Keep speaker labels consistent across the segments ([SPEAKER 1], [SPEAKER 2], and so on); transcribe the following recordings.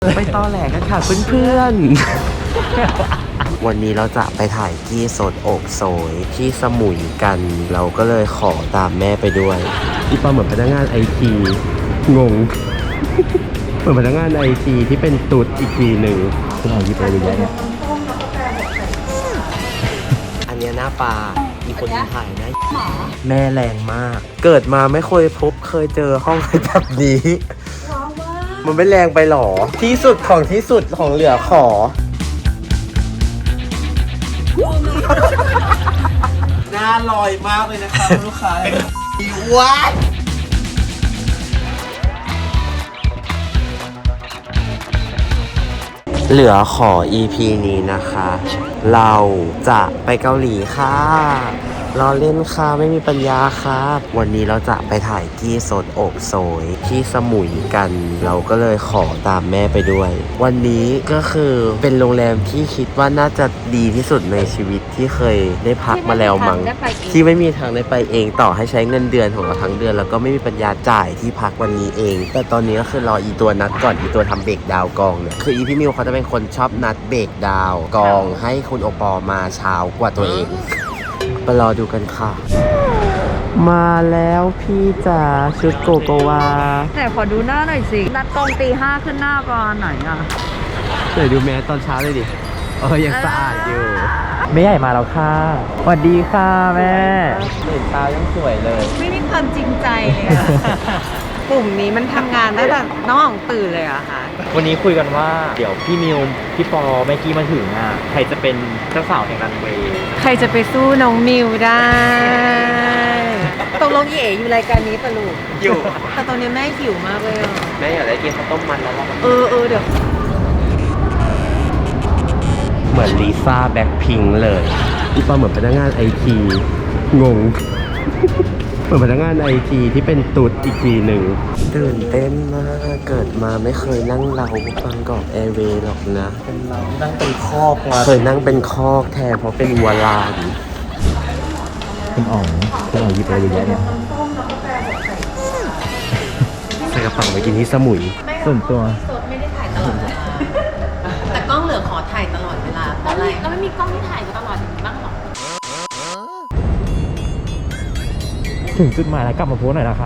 [SPEAKER 1] ไปตอแหลกันค่ะเพื่อนๆ วันนี้เราจะไปถ่ายที่โซนโอกโซยที่สมุยกัน เราก็เลยขอตามแม่ไปด้วยอีปาเหมือนพนักงานไอทีงง เหมือนพนักงานไอทีที่เป็นตุ๊ดอีกทีหนึ่งคุณเอาหยิบอะไรเยอะเนี่ยอันนี้หน้าปลามีคนถ่ายนะแม่แรงมาก เกิดมาไม่เคยเจอห้องแบบนี้ มันไม่แรงไปหรอที่สุดของเหลือขอหน้าลอยมากเลยนะครับลูกค้าวัดเหลือขอ EP นี้นะคะ เราจะไปเกาหลีค่ะรอเล่นค่ะไม่มีปัญญาครับวันนี้เราจะไปถ่ายที่โซนโอกโซยที่สมุยกัน เราก็เลยขอตามแม่ไปด้วย วันนี้ก็คือเป็นโรงแรมที่คิดว่าน่าจะดีที่สุดในชีวิตที่เคยได้พักมาแล้วมั้งที่ไม่มีทางได้ไปเองต่อให้ใช้เงินเดือนของเราทั้งเดือนแล้วก็ไม่มีปัญญาจ่ายที่พักวันนี้เองแต่ตอนนี้ก็คือรออีตัวนัดก่อนอีตัวทำเบรกดาวกองเนี่ยคืออีพี่มิวเขาจะเป็นคนชอบนัดเบรกดาวกองให้คุณโอปอมาเช้ากว่าตัวเองไปรอดูกันค่ะ มาแล้วพี่จ๋าชุดโกโกวา
[SPEAKER 2] แต่ขอดูหน้าหน่อยสิ นัดกองตี 5ขึ้นหน้าก่อนไหนอ่ะ
[SPEAKER 1] เดี๋ยวดูแม่ตอนเช้าเลยดิยังสะอาดอยู่
[SPEAKER 3] แม่ใหญ่มาแล้วค่ะสวัสดีค่ะแม่
[SPEAKER 1] ตื่นเช้ายังสวยเลย
[SPEAKER 2] ไม่มีความจริงใจเลยอะ กลุ่มนี้มันทำงานได้แบบน้องตื่นเลยอะค่ะ
[SPEAKER 3] วันนี้คุยกันว่าเดี๋ยวพี่มิวพี่ปอแม่กี้มาถึงอ่ะใครจะเป็นเจ้าสาวแห่งรันเวย์
[SPEAKER 2] ใครจะไปสู้น้องมิวได้ตกลงเอ๋อยู่รายการนี้ปะลูก
[SPEAKER 1] อยู่
[SPEAKER 2] แต่ตอนนี้แม่หิวมากเลยอ่ะ
[SPEAKER 1] แม่อยากได้กินข้าวต้มมันแล้วล่ะ
[SPEAKER 2] เดี๋ยว
[SPEAKER 1] เหมือนลิซ่าแบ็คพิงค์เลยอีปาเหมือนพนักงานไอทีงง เหมือนพนักงานไอทีที่เป็นตุ๊ดอีกทีหนึ่งตื่นเต้นมากเกิดมาไม่เคยนั่งเราบางกอกแอร์เวย์หรอกนะเป็นเรานั่งเป็นคอกมาเคยนั่งเป็นคอกแทนเพราะเป็นวัวลาน
[SPEAKER 3] คุณอ๋องหยิบอะไรเยอะแยะเนี่ย
[SPEAKER 1] ใส่กระเป๋าไปกินที่สมุย
[SPEAKER 3] ส่วนตัว
[SPEAKER 2] สดไม่ได้ถ่ายตลอดเวลาแต่กล้องเหลือขอถ่ายตลอดเวลาเพราะอะไรแล้วไม่มีกล้องที่ถ่ายตลอดบ้างหรอ
[SPEAKER 3] ถึงจุดหมายแล้วกลับมาโพสหน่อยนะคะ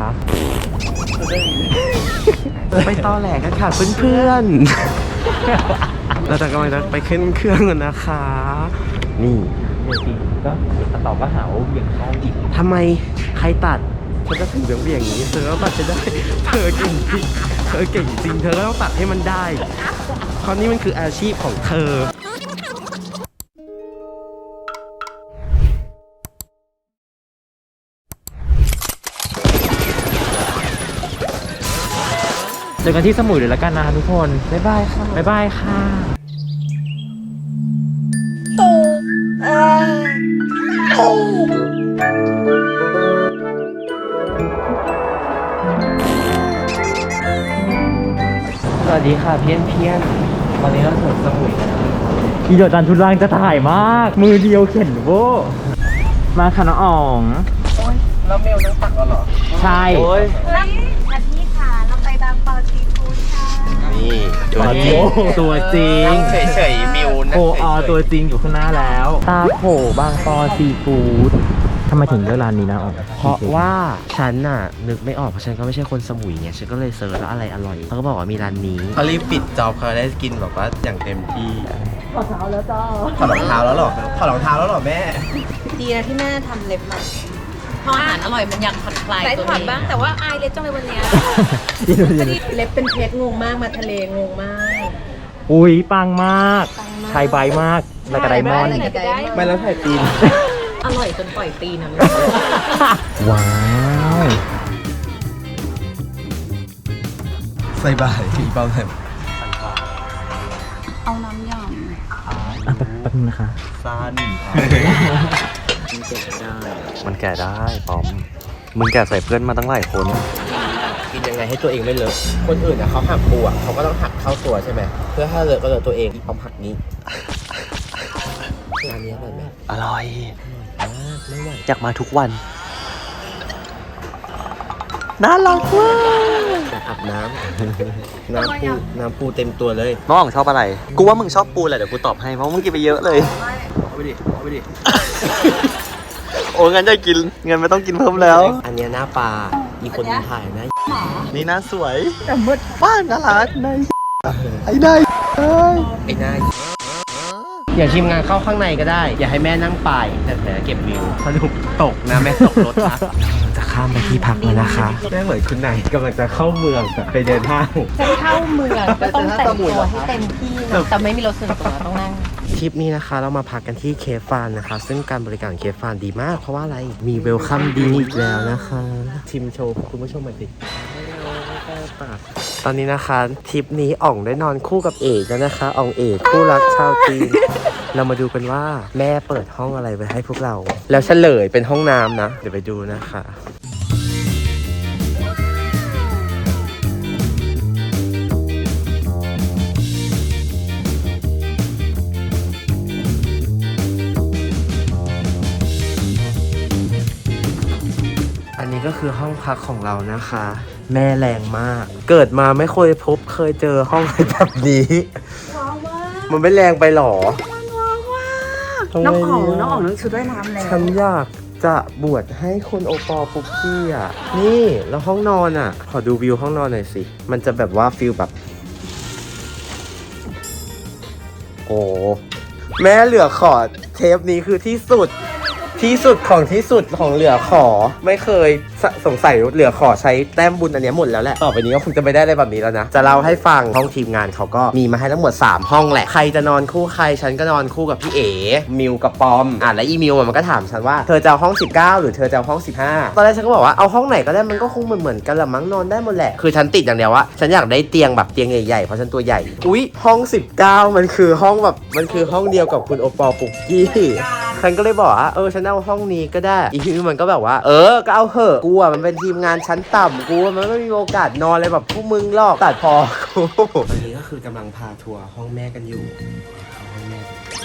[SPEAKER 1] ไปตอแหลกันค่ะเพื่อนๆ เราจะกำลังจะไปขึ้นเครื่องกันนะคะ นี่
[SPEAKER 3] เดี๋ยวทีก็ตัดต่อก็หาว่าเบี่ยงเข้าอีก
[SPEAKER 1] ทำไมใครตัดฉันก็ถือเบี่ยงอย่างนี้เธอก็ตัดจะได้เธอเก่งจริงเธอเก่งจริงเธอก็ต้องตัดให้มันได้เพราะนี่มันคืออาชีพของเธอ
[SPEAKER 3] เจอกันที่สมุยเลยละกันนะทุกคน บ๊ายบายค่ะ บ๊ายบายค่ะ
[SPEAKER 1] สวัสดีค่ะเพี้ยนตอนนี้เราถึงสมุยแล้ว
[SPEAKER 3] อีโดดันทุนรังจะถ่ายมาก มือเดียวเข็นโว้มาค่ะน้องอ๋อง
[SPEAKER 1] แล้วเมลนั่งตักเราเหรอ
[SPEAKER 3] ใช่
[SPEAKER 1] โอ้ย
[SPEAKER 2] อาทิตย์ค่ะเราไปบางปอซีฟู้ดค่ะ
[SPEAKER 1] นี่ตัวจริง
[SPEAKER 3] ตัวจริง
[SPEAKER 1] เฉยๆมิวนะ
[SPEAKER 3] โออตัวจริงอยู่ข้างหน้าแล้ว ตาโผบางปอซีฟู้ดทำไมถึงเลือกร้านนี้นะอ๋อง
[SPEAKER 1] เพราะว่าฉันน่ะนึกไม่ออกเพราะฉันก็ไม่ใช่คนสมุยไงฉันก็เลยเซิร์ชว่าอะไรอร่อยเขาก็บอกว่ามีร้านนี้เขารีบปิดจอบเขาได้กินแบบว่าอย่างเต็มที่ถอดรองเท้าแล้วจ้าถอดรองเท้าแล้วหรอถอดรองเท้าแล้วหรอแม่
[SPEAKER 2] ดีนะที่แม่ทำเล็บมาพออาหารอร่อยมันอยากผ่อนคลายตัวเองบ้างแต่ว่าอายเล็บจังเลยวันนี้เล็บเป็นเพชรงงมากมาทะเลงงมาก
[SPEAKER 3] อุ้ยปังมากไทยใบมากแล้วก็ไดมอนด์
[SPEAKER 1] ไม่แล้วถ่ายตีน
[SPEAKER 2] อร่อยจนปล่อยตีนนะ
[SPEAKER 3] ว้าว
[SPEAKER 1] ใส่บาตรอีเปาแผ่น
[SPEAKER 2] เอาน้ำย
[SPEAKER 3] อ่ะแป๊บนึงนะคะ
[SPEAKER 1] สั้นมันแก่ได้ป้อมมึงแก่ใส่เพื่อนมาตั้งหลายคนกินยังไงให้ตัวเองไม่เลอะคนอื่นเขาหักปูอ่ะเขาก็ต้องหักเข้าตัวใช่ไหมเพื่อถ้าเลอะก็เลอะตัวเองป้อมหักนี้ร้านนี้อร่อยไหมอร่อยมากไม่ไหวอยากมาทุกวัน
[SPEAKER 3] น่ารักมาก
[SPEAKER 1] อาบน้ำ น้ำปูเต็มตัวเลย
[SPEAKER 3] น้องอ๋องชอบอะไร กูว่ามึงชอบปูแหละเดี๋ยวกูตอบให้เพราะมึงกินไปเยอะเลย
[SPEAKER 1] เอาไปดิ
[SPEAKER 3] โอ้งั้นจะกินงั้นไม่ต้องกินเพิ่มแล้ว
[SPEAKER 1] อันเนี้ยหน้าปลาอีกคนถ่ายนะ
[SPEAKER 3] นี่น่าสวยแต่มืดบ้านน่ารักนายไอ้นาย
[SPEAKER 1] ไอ้หน้าอย่าทีมงานเข้าข้างในก็ได้ อย่าให้แม่นั่งปลายแต่เก็บวิวสรุปตกนะแม่ตกรถนะจะข้ามไปที่พักแล้วนะคะแม่เหมือนคุณนายกำลังจะเข้าเมืองไปเดินห้าง
[SPEAKER 2] จะเข้าเมืองก็ต้องแต่งตัวให้เต็มที่นะแต่ไม่มีรถส่วนตัวต้องนั่ง
[SPEAKER 1] ทริปนี้นะคะเรามาพักกันที่เคฟฟานนะคะ ซึ่งการบริการเคฟฟานดีมาก เพราะว่าอะไรมีเวลคัมดีอีกแล้วนะคะชิมโชว์คุณผู้ชมหน่อยสิตอนนี้นะคะทริปนี้อ่องได้นอนคู่กับเอกแล้วนะคะอ่องเอกคู่รักชาวจีน เรามาดูกันว่าแม่เปิดห้องอะไรไว้ให้พวกเรา แล้วเฉลยเป็นห้องน้ำนะ เดี๋ยวไปดูนะคะ อันนี้ก็คือห้องพักของเรานะคะ แม่แรงมาก เกิดมาไม่เคยเจอห้องแบบนี้มันไม่แรงไปหรอ
[SPEAKER 2] น้องอ๋องน้องชุดว่ายน้ำแล้ว
[SPEAKER 1] ฉันอยากจะบวชให้คนโอปอปุกกี้อ่ะ นี่แล้วห้องนอนอ่ะ ขอดูวิวห้องนอนหน่อยสิ มันจะแบบว่าฟิลแบบ โอ้แม่เหลือขอเทปนี้คือที่สุดของเหลือขอไม่เคยสงสัยเหลือขอใช้แต้มบุญอันเนี้ยหมดแล้วแหละต่อไปนี้ก็คงจะไม่ได้อะไรแบบนี้แล้วนะจะเล่าให้ฟังห้องทีมงานเขาก็มีมาให้ทั้งหมด3ห้องแหละใครจะนอนคู่ใครฉันก็นอนคู่กับพี่เอ๋มิวกับปอมแล้วอีมิวมันก็ถามฉันว่าเธอจะเอาห้อง19หรือเธอจะเอาห้อง15ตอนแรกฉันก็บอกว่าเอาห้องไหนก็ได้มันก็คงเหมือนกันละมั้งนอนได้หมดแหละคือฉันติดอย่างเดียวว่าฉันอยากได้เตียงแบบเตียงใหญ่ๆเพราะฉันตัวใหญ่อุ๊ยห้อง19มันคือห้องแบบมันคือห้องเดียวกับคุณโอปอปุกกี้ฉันก็เลยบอกว่าฉันเอาห้องนี้ก็ได้อีกมันก็แบบว่าก็เอาเหอะกูอ่ะมันเป็นทีมงานชั้นต่ำกูมันไม่มีโอกาสนอนเลยแบบพวกมึงหรอกตัดพอกูตอนนี้ก็คือกำลังพาทัวร์ห้องแม่กันอยู่ห้องแม่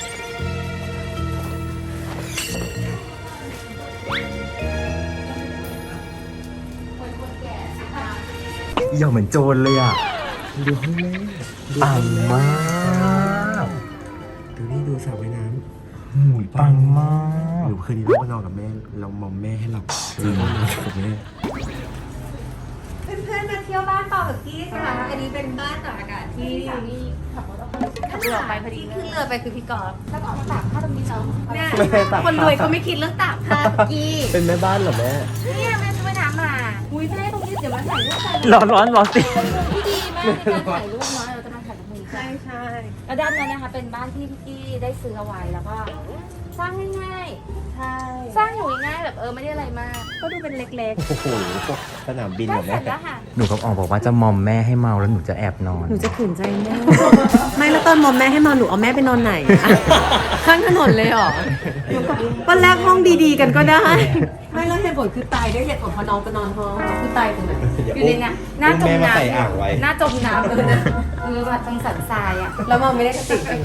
[SPEAKER 1] เอี่ยวเหมือนโจรเลยอ่ะดูห้องแม่ปังมากดูสระว่ายน้ำ
[SPEAKER 3] ปังมาก
[SPEAKER 1] หรือคืนนี้เราไปนอนกับแม่เรามอมแม่ให้หลับจริงกับแม่
[SPEAKER 2] เพื่อนๆมาเที่ยวบ้านเปากับกี้ค่ะอันนี้เป็นบ้านตากอากาศที่ขับเรือไปพอดีขึ้นเรือไปคือพี่กอล์ฟแล้วก็เอามาตากผ้าตรงนี้เนาะเนี่ยคนรวยเขาไม่คิดเรื่องตากผ้ากี้
[SPEAKER 1] เป็นแม่บ้านเหรอแม่
[SPEAKER 2] เนี่ยแม่ช่วยน้ำมาอุ้ยแม่ตรงนี้เดี๋ยวมาถ่ายรูปกัน
[SPEAKER 3] ร้อนสิ
[SPEAKER 4] ที่ดีมากในการถ่ายรูปเนาะเราจะมาถ่ายกับมือ
[SPEAKER 2] ใช่ใช่
[SPEAKER 4] แล้วด้านนั้นนะคะเป็นบ้านที่พี่กี้ได้ซื้อเอาไว้แล้วก็สร้างง่าย
[SPEAKER 2] ใช่
[SPEAKER 4] ๆสร้างอยู่ง่ายๆแบบไม่ได้อะไรมาก
[SPEAKER 2] ก็ดูเป็นเล็ก
[SPEAKER 1] โอ้โหสนามบิน
[SPEAKER 4] ได้
[SPEAKER 1] เหรอ
[SPEAKER 4] เส
[SPEAKER 1] แม่
[SPEAKER 4] ร็จแล้วค่ะ
[SPEAKER 3] หนูกับอ๋องบอกว่าจะมอมแม่ให้เมาแล้วหนูจะแอบนอน
[SPEAKER 2] ๆหนูจะขืนใจแม่ ไม่แล้วตอนมอมแม่ให้นอนหนูเอาแม่ไปนอนไหนอะข้างถนนเลยเหรอวันแรกห้องดีๆกันก็ได้ ไม่แล้วเหตุผลคือตายด้วยเหตุผลเพราะน้องไปนอนห้องเขาคือตายตรงไหน
[SPEAKER 4] อยู่ในน้ำหน้าจม
[SPEAKER 1] แม่มา
[SPEAKER 4] น้
[SPEAKER 1] ใส่อ่างไว้
[SPEAKER 4] ำหน้าจมน้ำเลยนะแบบตรงสันทรายอ่ะ
[SPEAKER 2] แล้วมองไม่ได้สติจริงนะ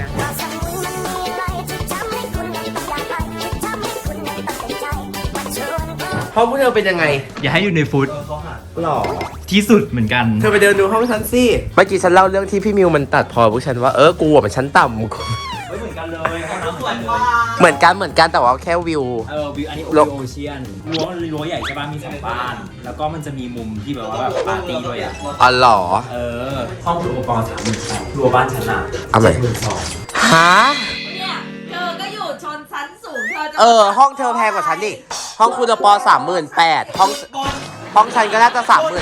[SPEAKER 1] ห้องพวกเธอเป็นยังไง
[SPEAKER 3] อย่าให้อยู่ในฟุต
[SPEAKER 1] หรอ
[SPEAKER 3] ที่สุดเหมือนกัน
[SPEAKER 1] เธอไปเดินดูห้องฉันสิเมื่อกี้ฉันเล่าเรื่องที่พี่มิวมันตัดพอพวกฉันว่ากูอ่ะมันชั้นต่ำกู
[SPEAKER 5] เหมือนกันเลยห้องน้ำเหมือนกันเลย
[SPEAKER 1] เหมือนกันแต่ว่าแค่วิว
[SPEAKER 5] วิวอันนี้โอเชียนรั้วใหญ่ใช่ป่ะมี2 บ้าน แล้วก็มันจะมีมุมที่แบบว่าแบบปาร์ตี้ด้วยอ่ะ
[SPEAKER 1] อ๋อเหรอ
[SPEAKER 5] ห้องคุณอุปกรณ์38,000รั้วบ้านชั้นอ่ะ
[SPEAKER 1] เอาใหม่
[SPEAKER 5] 72,000
[SPEAKER 1] ฮะ
[SPEAKER 6] เนี่ยเธอก็อยู่ชนชั้นสูงเธอจะ
[SPEAKER 1] ห้องเธอแพงกว่าฉันดิห้องคุณปอ38,000ห้องฉันก็น่าจะ30,000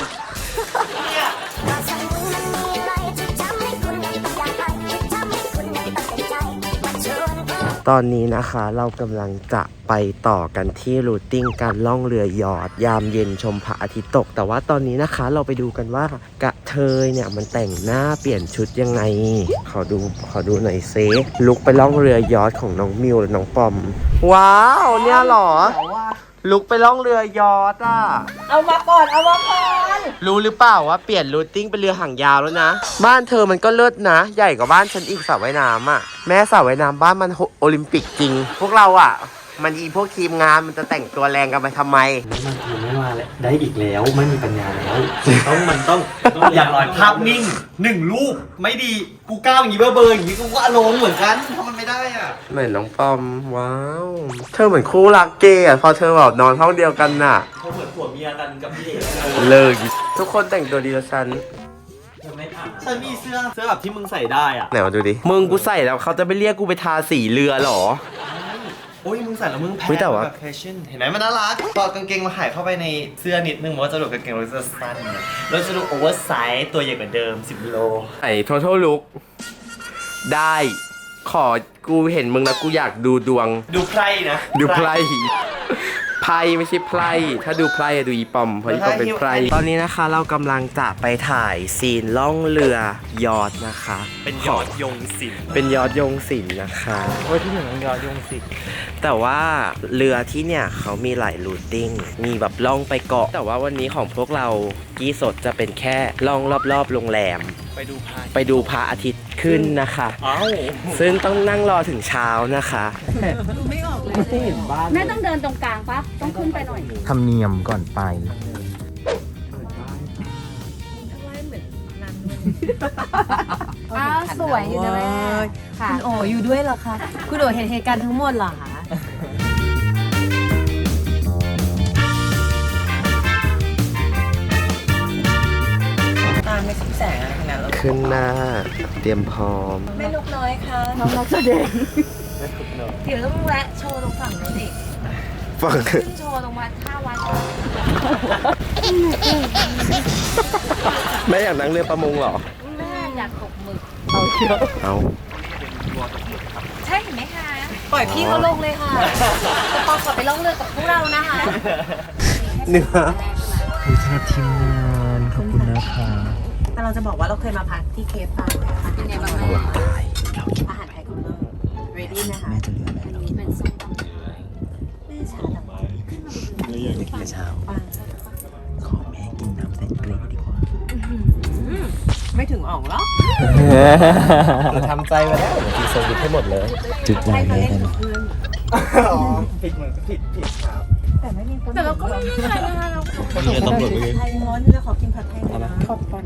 [SPEAKER 1] ตอนนี้นะคะเรากำลังจะไปต่อกันที่รูทติ้งการล่องเรือยอชต์ยามเย็นชมพระอาทิตย์ตกแต่ว่าตอนนี้นะคะเราไปดูกันว่ากระเทยเนี่ยมันแต่งหน้าเปลี่ยนชุดยังไงขอดูหน่อยเซลุกไปล่องเรือยอชต์ของน้องมิวและน้องปอมว้าวเนี่ยเหรอลุกไปล่องเรือยอชต์อ่ะ
[SPEAKER 2] เอามาก่อน
[SPEAKER 1] รู้หรือเปล่าว่าเปลี่ยนรูทติ้งเป็นเรือหางยาวแล้วนะบ้านเธอมันก็เลิศนะใหญ่กว่าบ้านฉันอีกสระว่ายน้ำอ่ะแม่สระว่ายน้ำบ้านมันโอลิมปิกจริงพวกเราอ่ะมันอีพวกทีมงานมันจะแต่งตัวแรงกันไปทำไม
[SPEAKER 3] มันคือไม่มาแล้วได้อีกแล้วไม่มีปัญญาแล้วมันต้องอย่างน้อยภาพนิ่ง1 รูปไม่ดีกูก้าวอย่างนี้เบอร์อย่างนี้กูก็อารมณ์เหมือนกันทำมันไม่ได้อ่ะ
[SPEAKER 1] เหมือนน้องปอม ว้าว เธอเหมือนคู่รักเกย์อะพอเธอแบบนอนห้องเดียวกันน่ะ
[SPEAKER 3] เขาเหมือนผัวเมียกันกับพี่เอก
[SPEAKER 1] เลิกทุกคนแต่งตัวดีแล้วฉัน
[SPEAKER 3] ฉันมีเสื้อแบบที่มึงใส่ได้อ่ะ
[SPEAKER 1] ไหนมาดูดิ มึงกูใส่แล้วเขาจะไปเรียกกูไปทาสีเรือเหรอ
[SPEAKER 3] โอ้ยมึงใส่แล้วมึงแพ้
[SPEAKER 1] เฮ้ยแต่ว่า
[SPEAKER 3] แบบแฟชั่นเห็นไหมมันน่ารักพอกางเกงมาหายเข้าไปในเสื้อนิดนึงมันก็จะดูกางเกงเราจะสั้นเนี่ยเราจะดูโอเวอร์ไซส์ตัวใหญ่กว่าเดิม10 โล
[SPEAKER 1] ไอ้ total look ได้ ขอกูเห็นมึงแล้วกูอยากดูดวง
[SPEAKER 3] ดูไพร่นะ
[SPEAKER 1] ดูไพร่ไพ่ไม่ใช่ไพร่ถ้าดูไพร่อะดูอีปอมเพราะอีปอมเป็นไพร่ตอนนี้นะคะเรากำลังจะไปถ่ายซีนล่องเรือยอทนะคะ
[SPEAKER 3] เป็นยอดยงศิลป์
[SPEAKER 1] เป็นยอดยงศิลป์นะคะ
[SPEAKER 3] โอ้ยที่หนึ่งยอดยงศิลป์
[SPEAKER 1] แต่ว่าเรือที่เนี่ยเขามีหลายรูทติ้งมีแบบล่องไปเกาะ แต่ว่าวันนี้ของพวกเรากี้สดจะเป็นแค่ล่องรอบๆโรงแรม ไปดูพระอาทิตย์ขึ้นนะคะ
[SPEAKER 3] อ้าว
[SPEAKER 1] ซึ่งต้องนั่งรอถึงเช้านะคะ
[SPEAKER 3] ไม่เห็นบ้าน
[SPEAKER 4] แม่ต้องเดินตรงกลางปะต้องขึ้นไปหน่อย
[SPEAKER 3] ทำเนียมก่อนไป
[SPEAKER 4] อ้าวสวยอยู่นะแม่ค่ะ
[SPEAKER 2] คุณโออยู่ด้วยเหรอคะ คุณโอเห็นเหตุการณ์ทั้งหมดเหรอคะ ตามไม่สิแสงอะไรขนาดนั้น
[SPEAKER 1] ขึ้นหน้าเตรียมพร้อม
[SPEAKER 2] แม่นกน้อยค่ะ
[SPEAKER 4] น้องนักแสดง
[SPEAKER 2] เดี๋ยวต้องแวะโชว์ตรงฝั่งนู้นอีก
[SPEAKER 1] ฟัง
[SPEAKER 4] ขึ้นโชว์ตรงวัดท่าวัด
[SPEAKER 1] แม่อยากนั่งเรือประมงเหรอ
[SPEAKER 4] แม่อยากตกหมึก
[SPEAKER 1] เอา
[SPEAKER 4] ใช่เห็นไหมคะ
[SPEAKER 2] ปล่อยพี่เขาลงเลยค่ะจะปองกลับไปล่องเรือกับพวกเรานะคะ
[SPEAKER 1] เนื้อ
[SPEAKER 3] คุณชาทีมงานขอบคุณนะคะ
[SPEAKER 2] แต่เราจะบอกว่าเราเคยมาพักที่เคปทาวน์นะคะ
[SPEAKER 4] เป็นไงบ้างแม่
[SPEAKER 2] อาหารไทยของเราเรดี้นะคะ
[SPEAKER 3] แม่จะเหลืออะไรเรากิน
[SPEAKER 4] เป็นส้มตำ
[SPEAKER 2] แม่ชาดำ
[SPEAKER 3] แต่เช้า
[SPEAKER 2] ปัง
[SPEAKER 3] ขอแม่กินน้ำใส่เกลือดีกว่า
[SPEAKER 2] ไม่ถึงอ่องหรอก
[SPEAKER 1] เราทำใจมาแล้วกินโซวิตให้หมดเลย
[SPEAKER 3] จุดใหญ่
[SPEAKER 2] ให้
[SPEAKER 3] เล
[SPEAKER 2] เขา
[SPEAKER 3] ย
[SPEAKER 2] เล่น
[SPEAKER 3] ได้ไหม
[SPEAKER 2] กับเพื่อน
[SPEAKER 3] ผิดเหมือนผิดครับ
[SPEAKER 2] แต่ไม่มีคน
[SPEAKER 4] แต่เราก็ไม่ได้อะไรนะคะเรา
[SPEAKER 3] คนเรียนตำรวจเลย
[SPEAKER 2] ไทยร้อนแล้วขอกินผัดไทยหน่อยนะขอบคุณ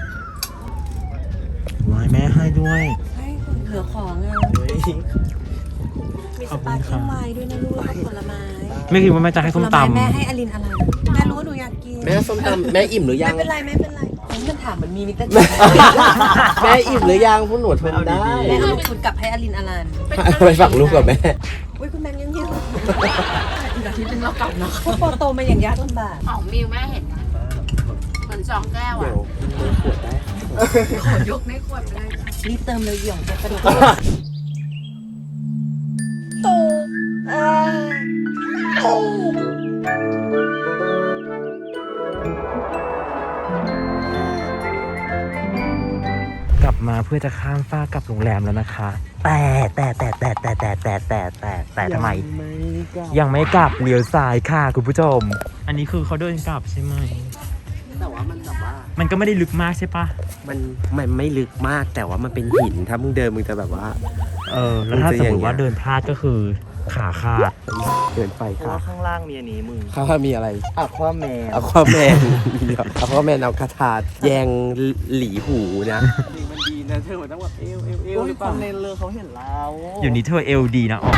[SPEAKER 3] วายแม่ให้ด้วย
[SPEAKER 2] ให้คุณเหลือของอ่ะมีสปาเกตตี้ไวน์ด้วยนะลูกแล้วก็ผลไม้
[SPEAKER 3] ไม่คิดว่าแม่จะให้ส้มตำ
[SPEAKER 2] แม่ให้อลินอะไรแม่รู้ว่าหนูอยากกิน
[SPEAKER 1] แม่ส้มตำแม่อิ่มหรือยัง
[SPEAKER 2] ไม่เป็นไรไม่เป็นไรมันถามมันมีมิเตอร์
[SPEAKER 1] แม่อิ่มหรือยังพวกหนูทนได้
[SPEAKER 2] แม่เอาลูกคุณกลับให้อลินอลัน
[SPEAKER 1] ไปฝักลูกกับแม่
[SPEAKER 2] อุ้ยคุณแบงค์ยังยืนอีกอาทิตย์นึงเรากลับเนาะพอโตมาอย่างยากลำบาก
[SPEAKER 4] ของมิวแม่เห็นนะเหมือน2 แก้วอ่ะขอยกในขวดเลย
[SPEAKER 2] รีบเติมเลยหย่องจะกระโดดโต
[SPEAKER 3] กลับมาเพื่อจะข้ามฟ้ากกลับโรงแรมแล้วนะคะ แต่ทำไม ยังไม่กลับเลี้ยวซ้ายค่ะคุณผู้ชม อันนี้คือเขาเดินกลับใช่ไหม
[SPEAKER 1] แต่ว่ามันแบบว่า
[SPEAKER 3] มันก็ไม่ได้ลึกมากใช่ปะ
[SPEAKER 1] มันไม่ลึกมากแต่ว่ามันเป็นหินถ้ามึงเดินมึงจะแบบว่า
[SPEAKER 3] แล้วถ้าสมมติว่าเดินพลาดก็คือขาขาด
[SPEAKER 1] เดินไปค่ะ
[SPEAKER 3] ข้างล่างมีอันนี้มึง
[SPEAKER 1] เขามีอะไร
[SPEAKER 3] อะความแมว
[SPEAKER 1] เอาความแมนเอาความแมนเอากระถาดแยงหลีหูนะ
[SPEAKER 3] มันดีนะเธอมันต้องแบบเอวหรือเปล่าในเรือเขาเห็นเราอยู่นี้เธอเอลดีนะอ๋อ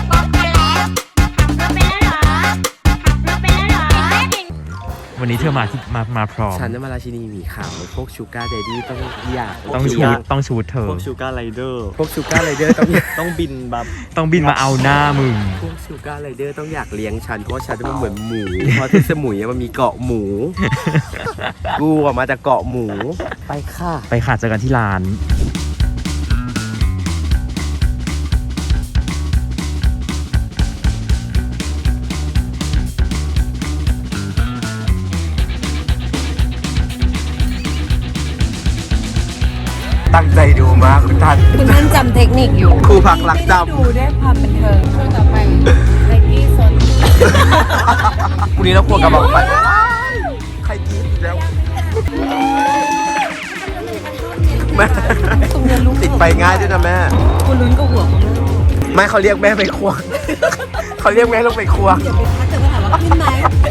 [SPEAKER 3] วันนี้เธอมาพร้อม
[SPEAKER 1] ฉันจะมาราชินีหมีขาวพวกชูการ์เดดี้ต้องอยาก
[SPEAKER 3] ต้องชูดเธอ
[SPEAKER 7] พวกชูการ์ไรเดอร์
[SPEAKER 1] พวกชูการ์ไรเดอร์ต้อง
[SPEAKER 7] ต้องบินแบบ
[SPEAKER 3] ต้องบินมาเอาหน้ามึง
[SPEAKER 1] พวกชูการ์ไรเดอร์ต้องอยากเลี้ยงฉันเพราะฉันมันเหมือนหมูเพราะที่สมุยมันมีเกาะหมู กูออกมาจากเกาะหมูไปค่ะ
[SPEAKER 3] ไปค่ะเจอกันที่ร้าน
[SPEAKER 1] ตั้งใจดูมากคุณท่าน
[SPEAKER 2] คุณท่านจำเทคนิคอยู่
[SPEAKER 1] ครูพักรักจำ
[SPEAKER 2] ดูด้วยความบันเทิง
[SPEAKER 4] ช่วงต่อไปไลกี้โซน
[SPEAKER 1] พรุ่งนี้เราควรกระบอกไปใครกินแล้วแม่
[SPEAKER 2] ตรงนี้ลูก
[SPEAKER 1] ติดไปง่ายด้วยนะแม่
[SPEAKER 2] คุณลุ้นกับหัวคุณแม่
[SPEAKER 1] ไม่เขาเรียกแม่ไปครัว เขาเรียกแม่ลงไปครัว
[SPEAKER 2] เดี๋ยวไปทักเกิดมาถามว่าขึ้นไหม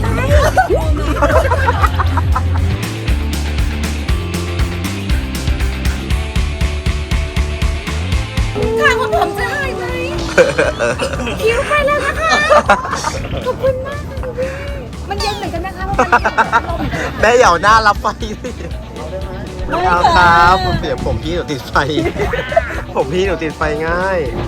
[SPEAKER 2] ค่ะคุณผมจะหายไหมคิวไปแล้วนะคะ ขอบคุณมากค่ะคุณพี่มันเย็นเหมือนกันนะคะเพราะมันเย็นลม
[SPEAKER 1] แม่อย่าเอาหน้ารับไฟสิไม่เอาครับเดี๋ยวผมพี่หนูติดไฟ ผมพี่หนูติดไฟง่าย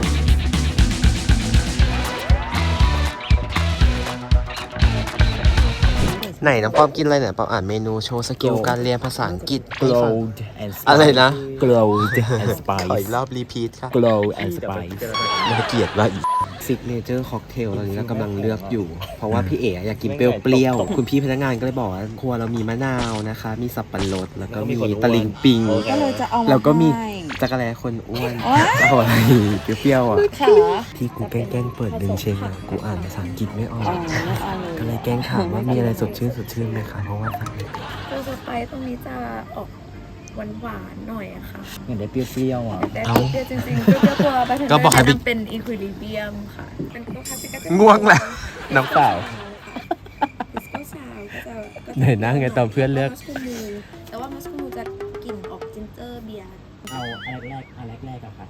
[SPEAKER 1] ไหนน้องปอมกินอะไรเนี่ยปอมอ่านเมนูโชว์สกิลการเรียนภาษาอังกฤษให้ฟัง
[SPEAKER 5] and
[SPEAKER 1] อะไรนะ
[SPEAKER 5] glowed and
[SPEAKER 1] ขออีก
[SPEAKER 5] spice
[SPEAKER 1] รอบรีพีทค่ะ
[SPEAKER 5] glow and spice
[SPEAKER 1] น่าเกลียดว่าอีกซิกเนเจอร์ค็อกเทลตอนนี้เรากำลังเลือกอยู่ เพราะว่าพี่เอ๋อยากกินเปรี้ยวๆคุณพี่พนักงานก็เลยบอกว่าครัวเรามีมะนาวนะคะ มีสับปะรดแล้วก็มีตะลิงปิง
[SPEAKER 2] ก็เลยจะเอามา
[SPEAKER 1] แล้วก็มี
[SPEAKER 2] ให้
[SPEAKER 1] จักรแลคนอ้วนเอาอะไรเปรี้ยวๆอ่ะ
[SPEAKER 2] ขา
[SPEAKER 1] ที่กูแกล้งเปิดดึงเชงอ่ะกูอ่านภาษาอังกฤษไม่ออก
[SPEAKER 2] ไม่เอาเลย
[SPEAKER 1] ก็เลยแกล้งถามว่ามีอะไรสดชื่นไหมคะเพราะว่า
[SPEAKER 7] ตัวสไปซ์ตรงนี้จะออกหวานๆหน่อยอะค่ะ
[SPEAKER 5] เหมือนได้เปรี้ยวๆอ่ะ
[SPEAKER 7] แต่เปรี้ยวจริงๆเปรี้ยวตัวไปถึง
[SPEAKER 1] ก็บอกให้ไป
[SPEAKER 7] เป็นอีควิลิเบียมค่ะ เป็นตัวคลาสสิกก็จะ
[SPEAKER 1] ง่วงแล้วน้ำเปล่า
[SPEAKER 7] ดิสโก้ซาวก็จะ
[SPEAKER 1] ไหนนั่งไงตอนเพื่อนเลือก
[SPEAKER 7] มัสคูมูแต่ว่ามัสคูมูจะกลิ่นออกจินเจอร์เบียร์
[SPEAKER 5] เอาอันแรกอะค่ะ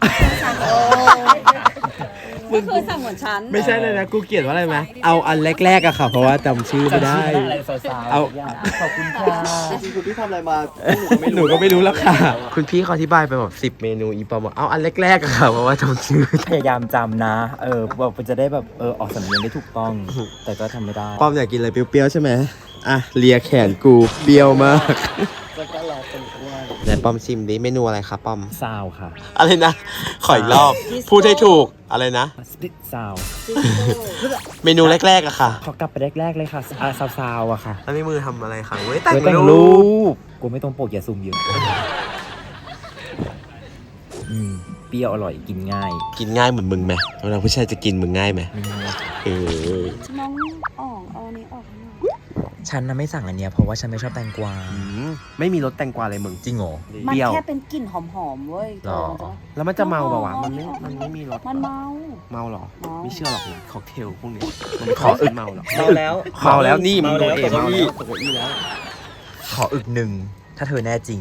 [SPEAKER 2] ก็คือสั่งเหมือนฉัน
[SPEAKER 1] ไม่ใช่เลยนะกูเกลียดว่าอะไรไหมเอาอันแรกๆอะค่ะ เพราะว่าจำชื่อไม่ได้
[SPEAKER 5] อะไรสาวๆ
[SPEAKER 1] เอา
[SPEAKER 3] ขอบคุณค่ะจริงๆคุณพี่ทำอะไรมา
[SPEAKER 1] หนูก็ไม่รู้แล้วค่ะ คุณพี่เขาอธิบายไปแบบ10 เมนูอีปอมบอกเอาอันแรกๆอะค่ะเพราะว่าจำชื่อ
[SPEAKER 5] พยายามจำนะ แบบจะได้แบบออกสำเนียงได้ถูกต้อง แต่ก็ทำไม่ได้
[SPEAKER 1] ปอมอยากกินอะไรเปรี้ยวๆใช่ไหมอ่ะเลียแขนกูเปรี้ยวมาก
[SPEAKER 3] แล้วก็เราเป็นอ้วน
[SPEAKER 1] ไหนปอมชิมดิเมนูอะไรครับปอม
[SPEAKER 5] ซาวค่ะ
[SPEAKER 1] อะไรนะ ขออีกรอบ พูดให้ถูกอะไรนะ
[SPEAKER 5] สปิตซาว
[SPEAKER 1] เมนูแรกๆอะค่ะ
[SPEAKER 5] ขอกลับไปแรกๆเลยค่ะซาวอะค่ะ
[SPEAKER 1] แล้วในมือทำอะไรคะเว้ยแต่ง
[SPEAKER 5] ไว้แต่ง
[SPEAKER 1] รู
[SPEAKER 5] รู
[SPEAKER 1] ป
[SPEAKER 5] ปกูไม่ต้องโปกอย่าซูมเยอะเปรี้ยวอร่อยกินง่าย
[SPEAKER 1] กินง่ายเหมือนมึงไหมเวลาผู้ชายจะกินมึงง่ายไหม
[SPEAKER 5] ไม่ง่าย
[SPEAKER 1] เออ
[SPEAKER 2] น้องอ่องเอาอันนี้ออกให้หน่อย
[SPEAKER 5] ฉันน่ะไม่สั่งอันเนี้ยเพราะว่าฉันไม่ชอบแตงกวา
[SPEAKER 1] ไม่มีรสแตงกวาเลยมึง
[SPEAKER 5] จริงเหรอ
[SPEAKER 2] มัน
[SPEAKER 1] เปรี้ยว
[SPEAKER 2] แค่เป็นกลิ่นหอมๆเว้ย
[SPEAKER 5] หรอ
[SPEAKER 1] แล้วมันจะเมาเปล่าวะมันไม่มีรส
[SPEAKER 2] มันเมา
[SPEAKER 1] เมาเหรอ
[SPEAKER 2] เมา
[SPEAKER 1] ไม่เชื่อหรอกนะค็อกเทลพวกนี้มันขออึกเมาหรอ
[SPEAKER 3] เมาแล้ว
[SPEAKER 1] เมาแล้วนี่มึงโดนเอ
[SPEAKER 3] เมา
[SPEAKER 1] เมา
[SPEAKER 3] แล้ว
[SPEAKER 1] แล้ว
[SPEAKER 3] ตกเก้าอี้แล้ว
[SPEAKER 5] ขออึกหนึ่งถ้าเธอแน่จริง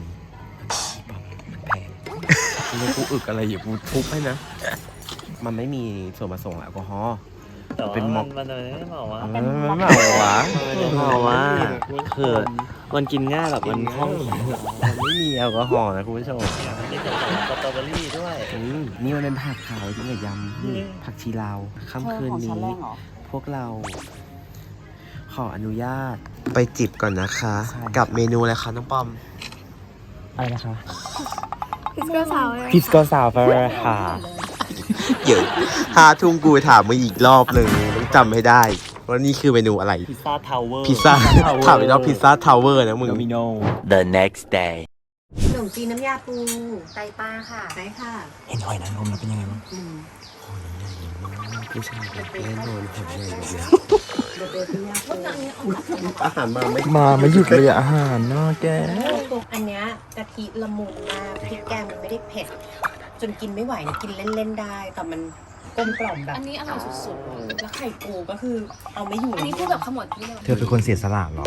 [SPEAKER 1] มึงกูอึกอะไรอยู่กูทุบให้นะ มันไม่มีส่วนผสมแอลกอฮอล์ เป็นม็อก
[SPEAKER 3] มันไม่เมาวะ
[SPEAKER 1] มันเมาวะ
[SPEAKER 3] เมาว่าคือมันกินง่ายแบบมันคล่อง
[SPEAKER 1] มันไม่มีแอลกอฮอล์นะคุณผู้ชม
[SPEAKER 3] มีสตรอเบอรี่ด้วย
[SPEAKER 1] นี่มันเป็นผักขาวที่กับยำนี่ผักชีลาวค่ำคืน
[SPEAKER 2] ของฉั
[SPEAKER 1] นี้
[SPEAKER 2] นแรงเหรอ
[SPEAKER 1] พวกเราขออนุญาตไปจิบก่อนนะคะ
[SPEAKER 5] ใช่
[SPEAKER 1] กับเมนูอะไรคะน้องปอม
[SPEAKER 5] อะไรนะคะ
[SPEAKER 7] พิสโก้ซาว
[SPEAKER 5] พิสโกซาวเฟอร์ค่ะ
[SPEAKER 1] เดี๋ยว5 ทุ่มกูถามมาอีกรอบหนึ่งต้องจำให้ได้ว่านี่คือเมนูอะไร
[SPEAKER 3] พิซซ่าทาวเวอร์
[SPEAKER 1] พิซซ่าถามอีกรอบพิซซ่าทาวเวอร์นะมึง
[SPEAKER 5] โดมิโน
[SPEAKER 1] The next day
[SPEAKER 2] ขนมจีนน้ำยาปูไตปลาค่ะไตค่ะ
[SPEAKER 5] เห็นหอยนางรมแล้วเป็นยังไงบ้าง
[SPEAKER 1] ผู้ชายแน่นอนผมใหญ่แบบนี้อาหารมาไม่
[SPEAKER 5] มาไม่หยุดเลยอาหารน่าแก
[SPEAKER 2] อันเนี้ยกะทิละมุนมากพริกแกงมันไม่ได้เผ็ด จนกินไม่ไหวนะกินเล่นๆได้ แต่มันกลมกล่อมแบบ
[SPEAKER 7] อันนี้อร่อยสุดๆเลย
[SPEAKER 2] แล้วไข่ปูก็คือเอาไม่อยู่
[SPEAKER 7] อันนี้พูดแบบขมวดที่เลย
[SPEAKER 5] เธอเป็นคนเสียสละเหรอ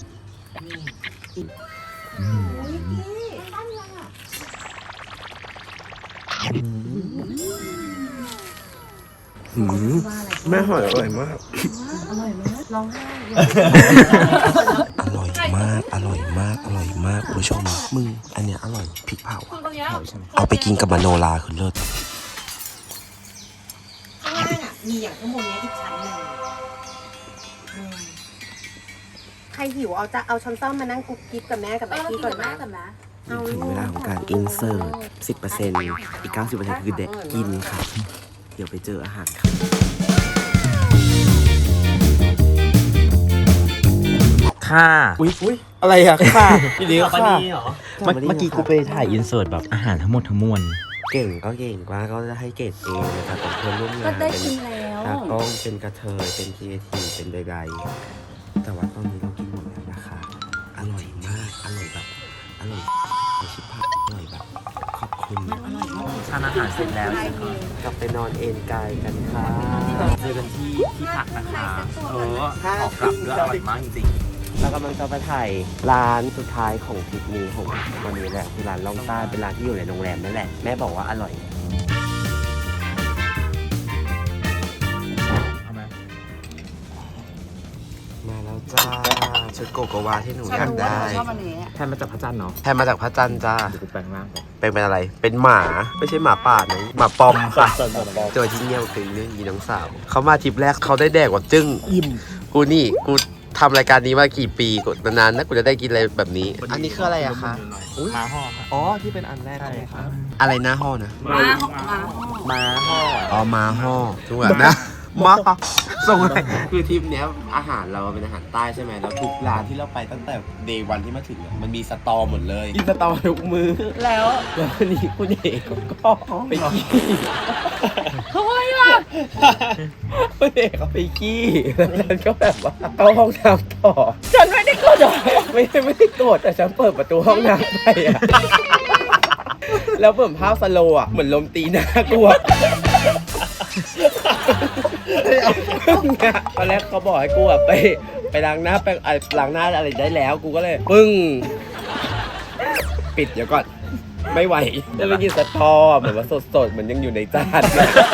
[SPEAKER 1] แม่หอยอร่อยมาก
[SPEAKER 2] ร้องไห้
[SPEAKER 1] อร่อยมาก อร่อยมาก อร่อยมากคุณผู้ชม มึง อันเนี้ยอร่อยพริกเผาอะเอาไปกินกับมโนราคือเลิศ
[SPEAKER 2] ข้างล่างอ่ะมีอย่างข้างบนเนี้ยอีกชั้นหนึ่งใครหิวเอาช้อนซ่อมมานั่งกุ๊กกิ๊บกับแม่กับแม่กี้ก่อนนะ
[SPEAKER 1] ถึงเวลาของการอินเสิร์ต 10% อีก 90%คือเด็กกินค่ะ เดี๋ยวไปเจออาหารค่ะ
[SPEAKER 5] ค่ะ
[SPEAKER 1] อุ้ยอะไรอะค่ะพี่เลี้ยง
[SPEAKER 3] ปา
[SPEAKER 1] ค่ะ
[SPEAKER 3] นีเหรอ
[SPEAKER 5] เมื่อกี้กูไปถ่ายอินเสิร์ตแบบอาหารทั้งหมดทั้งมวล
[SPEAKER 1] เก่งก็เก่งกว่าก็จะให้เกรดเองนะครับเป็นเพื่อนร่วมงาน
[SPEAKER 7] ก็ได้กินแล้ว
[SPEAKER 1] ตากล้องเป็นกระเทยเป็นครีเอทีฟเป็นใดๆแต่ว่าตอนนี้เรากินหมดแล้วนะคะอร่อยมาก อร่อยแบบ อร่อยชิบหายอร่อยแบบ ขอบคุณ
[SPEAKER 2] อร่อยมากจ
[SPEAKER 5] ทานอาหารเสร็จแล้ว
[SPEAKER 1] กลับไปนอนเอนกายกันค่ะ
[SPEAKER 5] เจอกันที่พักนะคะขอกลับด้วยอร่อยมากจริง
[SPEAKER 1] เรากำลังจะไปถ่ายร้านสุดท้ายของทริปนี้ของวันนี้แหละคือร้านล่องใต้เป็นร้านที่อยู่ในโรงแรมนั่นแหละแม่บอกว่าอร่อย
[SPEAKER 5] เอาไหม
[SPEAKER 1] มาแล้วจ้าชุดโกโกวาที่หนูอยากได้
[SPEAKER 5] แทนมาจากพระจันทร์เนาะ
[SPEAKER 1] แทนมาจากพระจันทร์จ้า
[SPEAKER 5] เดี๋ยวกูแปลงร่างก่อน
[SPEAKER 1] เป็นอะไรเป็นหมาไม่ใช่หมาป่านะหมาปอมค่ะเจอที่เงี้ยวตึงนี่ยีน้องสาวเขามาทริปแรกเขาได้แดกกว่าจึ้งอิ่มกูนี่กูทำรายการนี้มากี่ปีกูนานๆนะกูจะได้กินอะไรแบบนี้ อันนี้คืออะไรอะคะ
[SPEAKER 5] มาห่อค่ะ
[SPEAKER 1] อ๋อที่เป็นอันแรก
[SPEAKER 5] ใช่ค่ะ
[SPEAKER 1] อะไรหน้าห่อนะ
[SPEAKER 5] มาห่อ
[SPEAKER 1] อ๋อมาห่อถูกแบบนะมาส่งอะไรคือทริปเนี้ยอาหารเราเป็นอาหารใต้ใช่ไหมแล้วทุกร้านที่เราไปตั้งแต่เดย์วันที่มาถึงอะมันมีสตอหมดเลยกินสตอทุกมือแล้ววันนี้คุณเอกก็ไปขี้ทำไมล่ะคุณเอกเขาไปขี้แล้วฉันก็แบบว่าเข้าห้องน้ำต่อฉันไม่ได้โกรธไม่ได้โกรธแต่ฉันเปิดประตูห้องน้ำไปอะแล้วเปิดภาพสโลว์อะเหมือนลมตีหน้ากลัวตอนแรกเขาบอกให้กูแบบไปล้างหน้าไปล้างหน้าอะไรได้แล้วกูก็เลยปึ้งปิดเดี๋ยวก่อนไม่ไหวจะไปกินสตอเหมือนว่าสดๆเหมือนยังอยู่ในจาน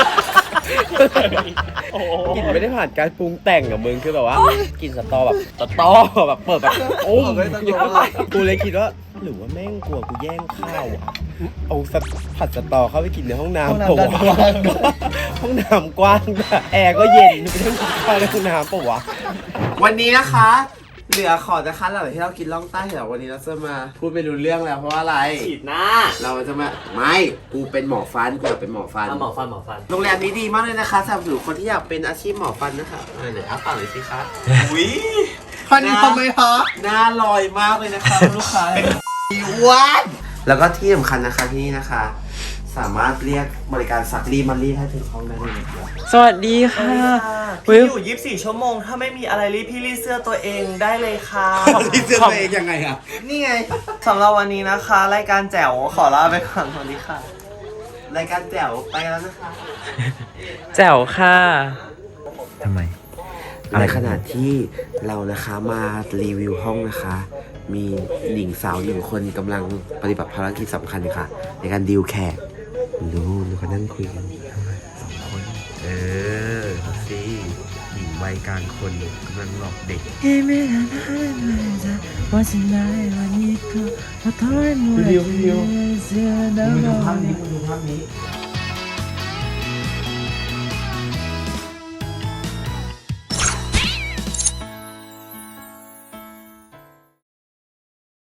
[SPEAKER 1] กินไม่ได้ผ่านการปรุงแต่งอะมึงคือแบบว่ากินสตอแบบแบบเปิดแบบโอ้กูเลยคิดว่าหรือว่าแม่งกลัวกูแย่งข้าวอะเอาผัดสตอเข้าไปกินในห้องน้ำปะวะห้องน้ำกว้างด้วยแอร์ก็เย็นไม่ต้องกินข้าวในห้องน้ำปะวะวันนี้นะคะเหลือขอจะคัดหลังที่เรากินล่องใต้เหรอวันนี้เราจะมาพูดไปรู้เรื่องแล้วเพราะว่าอะไร
[SPEAKER 3] ฉีดหน้า
[SPEAKER 1] เราจะมาไม่กูเป็นหมอฟันกูอยากเป็นหมอฟัน
[SPEAKER 3] หมอฟัน
[SPEAKER 1] โรงแรมนี้ดีมากเลยนะคะสำหรับคนที่อยากเป็นอาชีพหมอฟันนะคะไหนอ้าปากหน่อยสิคะ
[SPEAKER 3] อุ้ย
[SPEAKER 1] ฟันทำไมคะหน้าลอยมากเลยนะคะลูกค้าวันแล้วก็ที่สำคัญนะคะที่นี่นะคะ สามารถเรียกบริการซักรีดมารีดให้ถึงห้องได้เลยนะครับสวัสดีค่ะ
[SPEAKER 3] พี่อยู่ 24 ชั่วโมง ถ้าไม่มีอะไรรีดพี่รีดเสื้อตัวเองได้เลยค่ะ
[SPEAKER 1] รีดเสื้อตัวเองยังไงอะ
[SPEAKER 3] นี่ไงสำหรับวันนี้นะคะ รายการแจ๋วขอลาไปก่อนสวัสดีค่ะ
[SPEAKER 1] รายการแจ๋วไปแล้วนะคะ
[SPEAKER 5] แจ๋วค่ะทำไม
[SPEAKER 1] ในขณะที่เรานะคะมารีวิวห้องนะคะ มีหญิงสาวหนึ่งคนกำลังปฏิบัติภารกิจสำคัญค่ะ ในการดีลแขกดูเขานั่งคุยกัน2 คนเขาสิหญิงวัยกลางคนกำลังหลอกเด็กดูภาพนี้